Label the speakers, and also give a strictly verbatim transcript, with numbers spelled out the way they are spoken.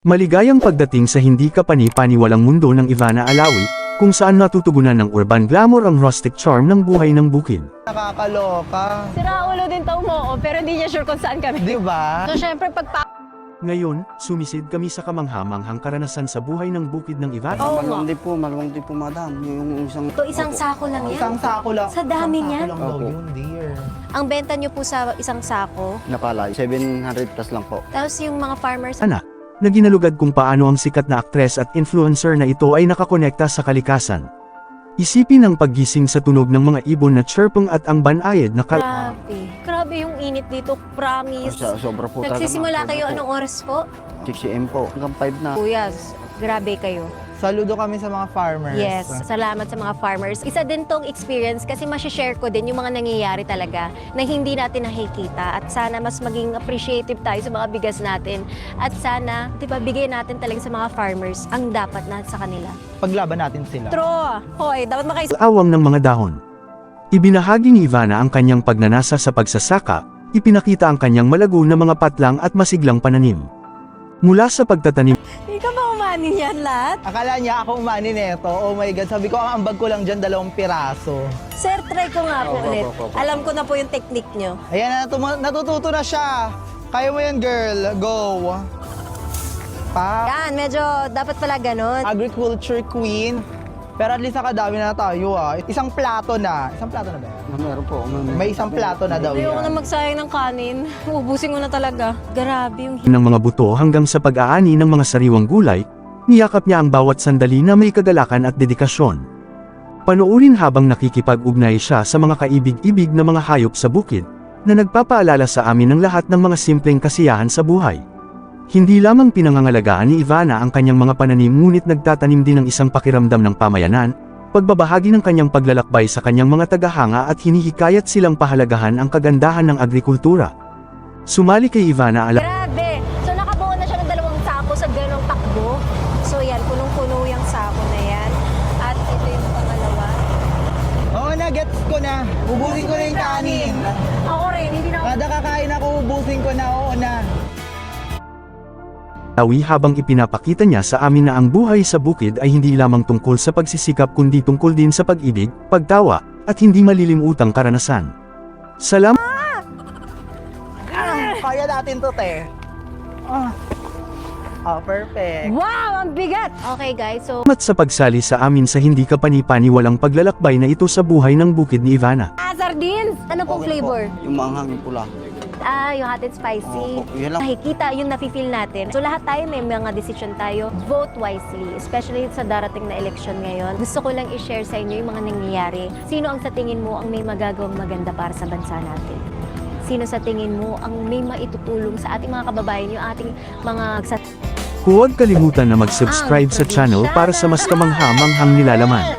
Speaker 1: Maligayang pagdating sa hindi kapani-paniwalang mundo ng Ivana Alawi, kung saan natutugunan ng urban glamour ang rustic charm ng buhay ng bukid.
Speaker 2: Nakakaloka.
Speaker 3: Sira ulo din tao mo, pero hindi niya sure kung saan kami.
Speaker 2: Di ba?
Speaker 3: So syempre pag pa...
Speaker 1: Ngayon, sumisid kami sa kamanghamanghang karanasan sa buhay ng bukid ng Ivana.
Speaker 3: Oo nga.
Speaker 4: Maluwang din po, maluwang din po, madam. Yung isang...
Speaker 5: Ito isang sako lang yan.
Speaker 2: Isang sako lang.
Speaker 5: Sa dami
Speaker 2: Isang
Speaker 5: niyan?
Speaker 2: sako lang daw
Speaker 4: Opo.
Speaker 2: yun, dear.
Speaker 5: Ang benta nyo po sa isang sako,
Speaker 4: Napala, seven hundred plus lang po.
Speaker 5: tapos yung mga farmers,
Speaker 1: Ana, na ginalugad kung paano ang sikat na aktres at influencer na ito ay nakakonekta sa kalikasan. Isipin ang paggising sa tunog ng mga ibon na chirping at ang banayad na kal...
Speaker 5: grabe. Grabe yung init dito, promise.
Speaker 4: Sa, sobra po talaga.
Speaker 5: Nagsisimula
Speaker 4: ma'am.
Speaker 5: kayo
Speaker 4: Sobra
Speaker 5: anong oras po?
Speaker 4: po. six a m po. Hanggang five na.
Speaker 5: Kuya, grabe kayo.
Speaker 2: Saludo kami sa mga farmers.
Speaker 5: Yes, salamat sa mga farmers. Isa din tong experience kasi masishare ko din yung mga nangyayari talaga na hindi natin nakikita at sana mas maging appreciative tayo sa mga bigas natin at sana, di ba, bigay natin talaga sa mga farmers ang dapat na sa kanila.
Speaker 2: Paglaban natin sila.
Speaker 5: True! Hoy, dapat makais...
Speaker 1: awang ng mga dahon. Ibinahagi ni Ivana ang kanyang pagnanasa sa pagsasaka, ipinakita ang kanyang malago na mga patlang at masiglang pananim. Mula sa pagtatanim,
Speaker 5: Ikaw ba umanin yan lahat?
Speaker 2: Akala niya ako umani neto. Oh my God. Sabi ko, ang ambag ko lang dyan, dalawang piraso.
Speaker 5: Sir, try ko nga po
Speaker 4: Opo,
Speaker 5: ulit.
Speaker 4: opo, opo.
Speaker 5: Alam ko na po yung technique nyo.
Speaker 2: Ayan, natutu- natututo na siya. Kaya mo yan, girl. Go. Pa.
Speaker 5: Yan, medyo dapat pala ganun.
Speaker 2: Agriculture queen. Pero at least nakadami na tayo ah. Isang plato na. Isang plato na ba?
Speaker 4: Na meron po. May,
Speaker 2: May isang plato na daw
Speaker 5: Ayoko na
Speaker 2: yan.
Speaker 5: magsayang ng kanin. Ubusin ko na talaga. Grabe yung...
Speaker 1: ng mga buto hanggang sa pag-aani ng mga sariwang gulay, niyakap niya ang bawat sandali na may kagalakan at dedikasyon. Panoorin habang nakikipag-ugnay siya sa mga kaibig-ibig na mga hayop sa bukid, na nagpapaalala sa amin ng lahat ng mga simpleng kasiyahan sa buhay. Hindi lamang pinangangalagaan ni Ivana ang kanyang mga pananim ngunit nagtatanim din ng isang pakiramdam ng pamayanan, pagbabahagi ng kanyang paglalakbay sa kanyang mga tagahanga at hinihikayat silang pahalagahan ang kagandahan ng agrikultura. Sumali kay Ivana Alawi.
Speaker 5: Grabe! So nakabuo na siya ng dalawang sako sa ganong takbo. So yan, punong-puno yung sako na yan. At ito yung pangalawa.
Speaker 2: Oo na, gets ko na. Ubusin ko na yung kanin.
Speaker 5: Ako rin, hindi na ako...
Speaker 2: Kada kakain ako, ubusin ko na. Oo na.
Speaker 1: habang ipinapakita niya sa amin na ang buhay sa bukid ay hindi lamang tungkol sa pagsisikap kundi tungkol din sa pag-ibig, pagtawa, at hindi malilimutang karanasan. Salamat
Speaker 2: Kaya natin to, te. Ah. Oh, perfect.
Speaker 5: Wow! Ang bigat! Okay guys, so...
Speaker 1: sa pagsali sa amin sa hindi kapani-paniwalang paglalakbay na ito sa buhay ng bukid ni Ivana.
Speaker 5: Ah, sardines! Ano pong
Speaker 4: Okay po.
Speaker 5: flavor?
Speaker 4: Yung maanghang yung pula.
Speaker 5: Ah, yung hot and spicy.
Speaker 4: Opo, yun lang.
Speaker 5: Nakikita yung nafe-feel natin. So lahat tayo may mga decision tayo. Vote wisely, especially sa darating na election ngayon. Gusto ko lang i-share sa inyo yung mga nangyayari. Sino ang sa tingin mo ang may magagawang maganda para sa bansa natin? Sino sa tingin mo ang may maitutulong sa ating mga kababayan, yung ating mga...
Speaker 1: Huwag kalimutan na mag-subscribe sa channel para sa mas kamangha-manghang nilalaman.